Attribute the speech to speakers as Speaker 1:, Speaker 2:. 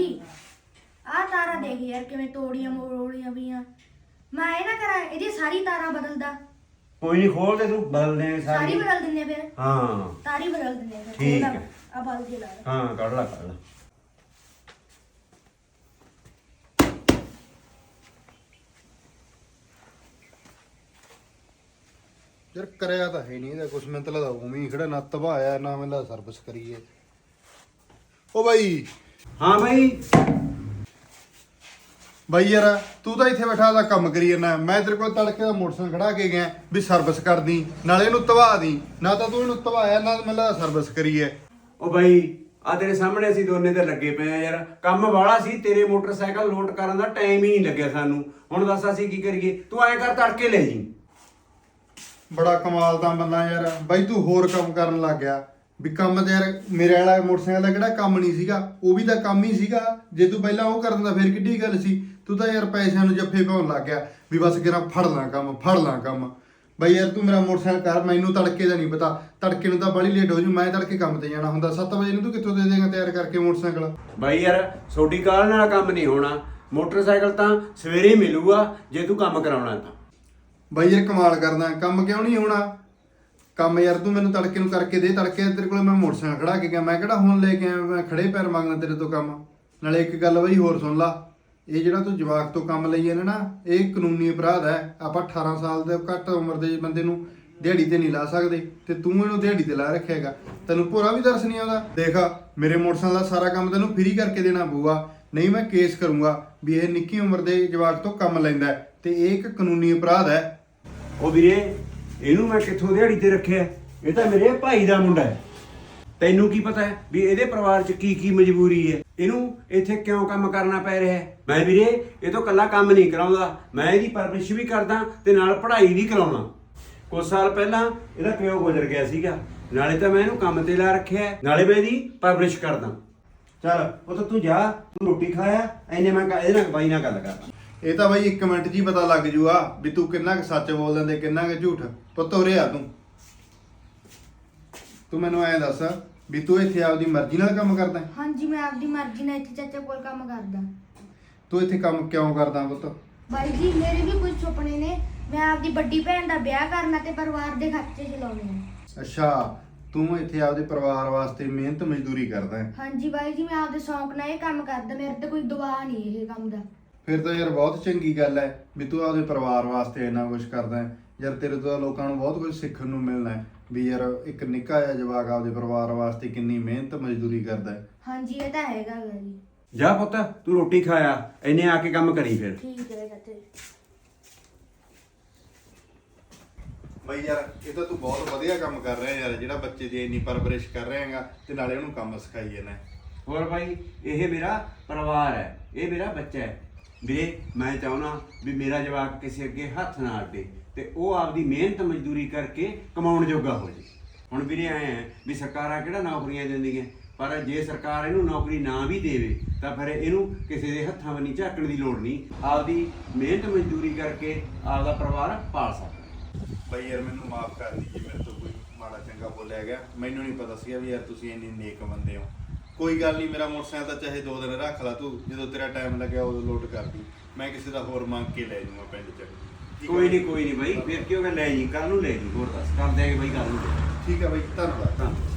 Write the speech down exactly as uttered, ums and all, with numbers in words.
Speaker 1: ਆਹ ਤਾਰਾਂ ਦੇਖ ਯਾਰ ਕਿਵੇਂ ਤੋੜੀਆਂ ਮੋੜੀਆਂ ਪਈਆਂ। ਮੈਂ ਇਹ ਨਾ ਕਰਾਂ ਇਹਦੀ ਸਾਰੀ ਤਾਰਾਂ ਬਦਲਦਾ।
Speaker 2: ਕੋਈ ਨਹੀਂ, ਖੋਲ ਦੇ ਤੂੰ, ਬਦਲ ਦੇ
Speaker 1: ਸਾਰੀ
Speaker 2: ਸਾਰੀ।
Speaker 1: ਬਦਲ ਦਿੰਦੇ ਫਿਰ।
Speaker 2: ਹਾਂ
Speaker 1: ਤਾਰੀ ਬਦਲ ਦਿੰਦੇ ਫਿਰ।
Speaker 2: ਠੀਕ ਹੈ।
Speaker 1: ਆ ਬਲ ਕੇ ਲਾ ਲੈ।
Speaker 2: ਹਾਂ ਕੱਢ ਲੈ ਕੱਢ ਲੈ।
Speaker 3: ਯਾਰ ਕਰਿਆ ਤਾਂ ਹੈ ਨਹੀਂ ਇਹਦਾ ਕੁਛ, ਮੈਨੂੰ ਤਾਂ ਲੱਗਦਾ ਉਵੇਂ ਹੀ ਖੜਾ, ਨਾ ਤਬਾਇਆ ਨਾ ਮੈਨੂੰ ਲੱਗਦਾ ਸਰਵਿਸ ਕਰੀਏ। ਓ ਬਾਈ
Speaker 2: ਹਾਂ ਬਾਈ।
Speaker 3: ਬਾਈ ਯਾਰ ਤੂੰ ਤਾਂ ਇੱਥੇ ਬੈਠਾ ਦਾ ਕੰਮ ਕਰੀ ਜਾਂਦਾ, ਮੈਂ ਤੇਰੇ ਕੋਲ ਤੜਕੇ ਦਾ ਮੋਟਰਸਾਈਕਲ ਖੜਾ ਕੇ ਗਿਆ ਵੀ ਸਰਵਿਸ ਕਰਦੀ, ਨਾਲੇ ਇਹਨੂੰ ਤਵਾ ਦੀ, ਨਾ ਤਾਂ ਤੂੰ ਇਹਨੂੰ ਤਵਾਇਆ ਨਾ ਮੈਨੂੰ ਲੱਗਦਾ ਸਰਵਿਸ ਕਰੀਏ।
Speaker 2: ਉਹ ਬਾਈ ਆ ਤੇਰੇ ਸਾਹਮਣੇ ਅਸੀਂ ਦੋਨੇ ਤੇ ਲੱਗੇ ਪਏ ਆ ਯਾਰ, ਕੰਮ ਵਾਲਾ ਸੀ, ਤੇਰੇ ਮੋਟਰਸਾਈਕਲ ਲੋਡ ਕਰਨ ਦਾ ਟਾਈਮ ਹੀ ਨਹੀਂ ਲੱਗਿਆ ਸਾਨੂੰ। ਹੁਣ ਦੱਸ ਅਸੀਂ ਕੀ ਕਰੀਏ? ਤੂੰ ਐਂ ਕਰ ਤੜਕੇ ਲੈ ਜੀ।
Speaker 3: ਬੜਾ ਕਮਾਲ ਦਾ ਬੰਦਾ ਯਾਰ ਬਾਈ, ਤੂੰ ਹੋਰ ਕੰਮ ਕਰਨ ਲੱਗ ਗਿਆ ਵੀ ਕੰਮ ਤੇ ਯਾਰ ਮੇਰੇ ਵਾਲਾ ਮੋਟਰਸਾਈਕਲ ਦਾ ਕਿਹੜਾ ਕੰਮ ਨਹੀਂ ਸੀਗਾ, ਉਹ ਵੀ ਤਾਂ ਕੰਮ ਹੀ ਸੀਗਾ। ਜੇ ਤੂੰ ਪਹਿਲਾਂ ਉਹ ਕਰ ਦਿੰਦਾ ਫਿਰ ਕਿੱਡੀ ਗੱਲ ਸੀ। ਤੂੰ ਤਾਂ ਯਾਰ ਪੈਸਿਆਂ ਨੂੰ ਜੱਫੇ ਪਾਉਣ ਲੱਗ ਗਿਆ ਵੀ ਬਸ ਕਿਹੜਾ ਫੜ ਲਾਂ ਕੰਮ ਫੜ ਲਾਂ ਕੰਮ। ਬਾਈ ਯਾਰ ਤੂੰ ਮੇਰਾ ਮੋਟਰਸਾਈਕਲ ਕਰ, ਮੈਨੂੰ ਤੜਕੇ ਦਾ ਨਹੀਂ ਪਤਾ, ਤੜਕੇ ਨੂੰ ਤਾਂ ਬੜੀ ਲੇਟ ਹੋ ਜੂ, ਮੈਂ ਤੜਕੇ ਕੰਮ ਤੇ ਜਾਣਾ ਹੁੰਦਾ। ਸੱਤ ਵਜੇ ਨੂੰ ਤੂੰ ਕਿੱਥੋਂ ਦੇ ਦੇਗਾ ਤਿਆਰ ਕਰਕੇ ਮੋਟਰਸਾਈਕਲ?
Speaker 2: ਬਾਈ ਯਾਰ ਛੋਟੀ ਕਾਲ ਨਾਲ ਕੰਮ ਨਹੀਂ ਹੋਣਾ, ਮੋਟਰਸਾਈਕਲ ਤਾਂ ਸਵੇਰੇ ਹੀ ਮਿਲੂਗਾ ਜੇ ਤੂੰ ਕੰਮ ਕਰਾਉਣਾ ਤਾਂ।
Speaker 3: ਬਾਈ ਯਾਰ ਕਮਾਲ ਕਰਦਾ, ਕੰਮ ਕਿਉਂ ਨਹੀਂ ਹੋਣਾ? ਕੰਮ ਯਾਰ ਤੂੰ ਮੈਨੂੰ ਤੜਕੇ ਨੂੰ ਕਰਕੇ ਦੇ, ਤੜਕੇ ਤੇਰੇ ਕੋਲ ਮੈਂ ਮੋਟਰਸਾਈਕਲ ਖੜਾ ਕੇ ਗਿਆ, ਮੈਂ ਕਿਹੜਾ ਹੁਣ ਲੈ ਕੇ ਆਇਆ ਮੈਂ ਖੜੇ ਪੈਰ ਮੰਗਣਾ ਤੇਰੇ ਤੋਂ ਕੰਮ। ਨਾਲੇ ਇੱਕ ਗੱਲ ਬਾਈ ਹੋਰ ਸੁਣ ਲਾ, ਇਹ ਜਿਹੜਾ ਤੂੰ ਜਵਾਕ ਤੋਂ ਕੰਮ ਲਈ ਜਾਂਦਾ ਨਾ, ਇਹ ਕਾਨੂੰਨੀ ਅਪਰਾਧ ਹੈ। ਆਪਾਂ ਅਠਾਰਾਂ ਸਾਲ ਦੇ ਘੱਟ ਉਮਰ ਦੇ ਬੰਦੇ ਨੂੰ ਦਿਹਾੜੀ ਤੇ ਨਹੀਂ ਲਾ ਸਕਦੇ, ਤੇ ਤੂੰ ਇਹਨੂੰ ਦਿਹਾੜੀ ਤੇ ਲਾ ਰੱਖਿਆਗਾ। ਤੈਨੂੰ ਭੋਰਾ ਵੀ ਦਰਸ ਨਹੀਂ ਆਉਂਦਾ? ਦੇਖ ਮੇਰੇ ਮੋਟਰਸਾਈਕਲ ਦਾ ਸਾਰਾ ਕੰਮ ਤੈਨੂੰ ਫ੍ਰੀ ਕਰਕੇ ਦੇਣਾ ਪਊਗਾ, ਨਹੀਂ ਮੈਂ ਕੇਸ ਕਰੂੰਗਾ ਵੀ ਇਹ ਨਿੱਕੀ ਉਮਰ ਦੇ ਜਵਾਕ ਤੋਂ ਕੰਮ ਲੈਂਦਾ ਤੇ ਇਹ ਇੱਕ ਕਾਨੂੰਨੀ ਅਪਰਾਧ ਹੈ।
Speaker 2: ਉਹ ਵੀਰੇ ਇਹਨੂੰ ਮੈਂ ਕਿੱਥੋਂ ਦਿਹਾੜੀ ਤੇ ਰੱਖਿਆ? ਇਹ ਤਾਂ ਮੇਰੇ ਭਾਈ ਦਾ ਮੁੰਡਾ ਹੈ। ਤੈਨੂੰ ਕੀ ਪਤਾ ਹੈ ਵੀ ਇਹਦੇ ਪਰਿਵਾਰ 'ਚ ਕੀ ਕੀ ਮਜਬੂਰੀ ਹੈ, ਇਹਨੂੰ ਇੱਥੇ ਕਿਉਂ ਕੰਮ ਕਰਨਾ ਪੈ ਰਿਹਾ ਹੈ? ਮੈਂ ਵੀਰੇ ਇਹ ਤੋਂ ਇਕੱਲਾ ਕੰਮ ਨਹੀਂ ਕਰਾਉਂਦਾ, ਮੈਂ ਇਹਦੀ ਪਰਵਰਿਸ਼ ਵੀ ਕਰਦਾ ਤੇ ਨਾਲ ਪੜ੍ਹਾਈ ਵੀ ਕਰਾਉਣਾ। ਕੁਝ ਸਾਲ ਪਹਿਲਾਂ ਇਹਦਾ ਪਿਓ ਗੁਜ਼ਰ ਗਿਆ ਸੀਗਾ, ਨਾਲੇ ਤਾਂ ਮੈਂ ਇਹਨੂੰ ਕੰਮ ਤੇ ਲਾ ਰੱਖਿਆ, ਨਾਲੇ ਮੈਂ ਇਹਦੀ ਪਰਵਰਿਸ਼ ਕਰਦਾ। ਚੱਲ ਉਹ ਤਾਂ ਤੂੰ ਜਾ, ਤੂੰ ਰੋਟੀ ਖਾਇਆ, ਐਨੇ ਮੈਂ ਇਹਦੇ ਨਾਲ ਬਾਈ ਨਾਲ ਗੱਲ ਕਰਦਾ।
Speaker 3: ਇਹ ਤਾਂ ਬਾਈ ਇੱਕ ਮਿੰਟ 'ਚ ਹੀ ਪਤਾ ਲੱਗ ਜੂਗਾ ਵੀ ਤੂੰ ਕਿੰਨਾ ਕੁ ਸੱਚ ਬੋਲਦਾ ਤੇ ਕਿੰਨਾ ਕੁ ਝੂਠ। ਪੁੱਤ ਉਰੇ ਆ ਤੂੰ ਤੂੰ ਮੈਨੂੰ ਐਂ ਦੱਸ ਵੀ ਤੂੰ ਇੱਥੇ ਆਪਦੀ ਮਰਜ਼ੀ ਨਾਲ ਕੰਮ ਕਰਦਾ?
Speaker 1: ਹਾਂਜੀ ਮੈਂ ਆਪਦੀ ਮਰਜ਼ੀ ਨਾਲ ਇੱਥੇ ਚਾਚਾ ਕੋਲ ਕੰਮ ਕਰਦਾ।
Speaker 3: ਤੂੰ ਇੱਥੇ ਕੰਮ ਕਿਉਂ ਕਰਦਾ ਪੁੱਤ?
Speaker 1: ਬਾਈ ਜੀ ਮੇਰੇ ਵੀ ਕੁਝ ਸੁਪਨੇ ਨੇ, ਮੈਂ ਆਪਦੀ ਵੱਡੀ ਭੈਣ ਦਾ ਵਿਆਹ ਕਰਨਾ ਤੇ ਪਰਿਵਾਰ ਦੇ ਖਰਚੇ ਚਲਾਉਣੇ ਆ।
Speaker 3: ਅੱਛਾ, ਤੂੰ ਇੱਥੇ ਆਪਦੇ ਪਰਿਵਾਰ ਵਾਸਤੇ ਮਿਹਨਤ ਮਜ਼ਦੂਰੀ ਕਰਦਾ ਹੈ?
Speaker 1: ਹਾਂਜੀ ਬਾਈ ਜੀ ਮੈਂ ਆਪਦੇ ਸ਼ੌਂਕ ਨਾਲ ਇਹ ਕੰਮ ਕਰਦਾ, ਮੇਰੇ ਤੇ ਕੋਈ ਦਬਾਅ ਨਹੀਂ ਇਹ ਕੰਮ ਦਾ।
Speaker 3: ਫਿਰ ਤਾਂ ਯਾਰ ਬਹੁਤ ਚੰਗੀ ਗੱਲ ਹੈ ਵੀ ਤੂੰ ਆਪਦੇ ਪਰਿਵਾਰ ਵਾਸਤੇ ਇੰਨਾ ਕੁਝ ਕਰਦਾ ਹੈ। ਯਾਰ ਤੇਰੇ ਤੋਂ ਲੋਕਾਂ ਨੂੰ ਬਹੁਤ ਕੁਝ ਸਿੱਖਣ ਨੂੰ ਮਿਲਣਾ ਹੈ ਵੀ ਯਾਰ ਇੱਕ ਨਿੱਕਾ ਜਿਹਾ ਜਵਾਕ ਆਪਦੇ ਪਰਿਵਾਰ ਵਾਸਤੇ ਕਿੰਨੀ ਮਿਹਨਤ ਮਜ਼ਦੂਰੀ ਕਰਦਾ ਹੈ।
Speaker 1: ਹਾਂਜੀ ਇਹ ਤਾਂ ਹੈਗਾ ਗਾ ਜੀ।
Speaker 2: ਜਾ ਪੁੱਤ ਤੂੰ ਰੋਟੀ ਖਾਇਆ, ਇਹਨੇ ਆ ਕੇ ਕੰਮ ਕਰੀ ਫਿਰ।
Speaker 1: ਠੀਕ ਹੈ ਚਾਚਾ ਜੀ।
Speaker 3: ਬਈ ਯਾਰ ਇਹ ਤਾਂ ਤੂੰ ਬਹੁਤ ਵਧੀਆ ਕੰਮ ਕਰ ਰਿਹਾ ਯਾਰ, ਜਿਹੜਾ ਬੱਚੇ ਦੀ ਇੰਨੀ ਪਰਵਰਿਸ਼ ਕਰ ਰਿਹਾ ਹੈਗਾ ਤੇ ਨਾਲੇ ਉਹਨੂੰ ਕੰਮ ਸਿਖਾਈ ਜਾਂਦਾ।
Speaker 2: ਹੋਰ ਭਾਈ ਇਹ ਮੇਰਾ ਪਰਿਵਾਰ ਹੈ, ਇਹ ਮੇਰਾ ਬੱਚਾ ਹੈ ਵੀਰੇ। ਮੈਂ ਚਾਹੁੰਦਾ ਵੀ ਮੇਰਾ ਜਵਾਕ ਕਿਸੇ ਅੱਗੇ ਹੱਥ ਨਾ ਅੱਡੇ ਤੇ ਉਹ ਆਪਦੀ ਮਿਹਨਤ ਮਜ਼ਦੂਰੀ ਕਰਕੇ ਕਮਾਉਣ ਜੋਗਾ ਹੋ ਜੇ। ਹੁਣ ਵੀਰੇ ਐਂ ਹੈ ਵੀ ਸਰਕਾਰਾਂ ਕਿਹੜਾ ਨੌਕਰੀਆਂ ਦਿੰਦੀਆਂ, ਪਰ ਜੇ ਸਰਕਾਰ ਇਹਨੂੰ ਨੌਕਰੀ ਨਾ ਵੀ ਦੇਵੇ ਤਾਂ ਫਿਰ ਇਹਨੂੰ ਕਿਸੇ ਦੇ ਹੱਥਾਂ ਵੱਲ ਨਹੀਂ ਝਾਕਣ ਦੀ ਲੋੜ ਨਹੀਂ, ਆਪਦੀ ਮਿਹਨਤ ਮਜ਼ਦੂਰੀ ਕਰਕੇ ਆਪਦਾ ਪਰਿਵਾਰ ਪਾਲ ਸਕਦਾ।
Speaker 3: ਬਈ ਯਾਰ ਮੈਨੂੰ ਮਾਫ ਕਰ ਦੀ ਜੇ ਮੇਰੇ ਤੋਂ ਕੋਈ ਮਾੜਾ ਚੰਗਾ ਬੋਲਿਆ ਗਿਆ, ਮੈਨੂੰ ਨਹੀਂ ਪਤਾ ਸੀਗਾ ਵੀ ਯਾਰ ਤੁਸੀਂ ਇੰਨੇ ਨੇਕ ਬੰਦੇ ਹੋ। ਕੋਈ ਗੱਲ ਨਹੀਂ, ਮੇਰਾ ਮੋਟਰਸਾਈਕਲ ਤਾਂ ਚਾਹੇ ਦੋ ਦਿਨ ਰੱਖ ਲਾ ਤੂੰ, ਜਦੋਂ ਤੇਰਾ ਟਾਈਮ ਲੱਗਿਆ ਉਦੋਂ ਲੋਡ ਕਰਦੀ, ਮੈਂ ਕਿਸੇ ਦਾ ਹੋਰ ਮੰਗ ਕੇ ਲੈ ਜਾਊਂਗਾ ਪਿੰਡ 'ਚ।
Speaker 2: ਕੋਈ ਨਹੀਂ ਕੋਈ ਨਹੀਂ ਬਾਈ, ਫਿਰ ਕਿਉਂ ਲੈ ਜੀ, ਕੱਲ ਨੂੰ ਲੈ ਜੀ। ਹੋਰ ਦੱਸ ਕਰ ਦਿਆਂਗੇ ਬਾਈ ਕੱਲ ਨੂੰ।
Speaker 3: ਠੀਕ ਹੈ ਬਾਈ, ਧੰਨਵਾਦ।
Speaker 2: ਧੰਨਵਾਦ।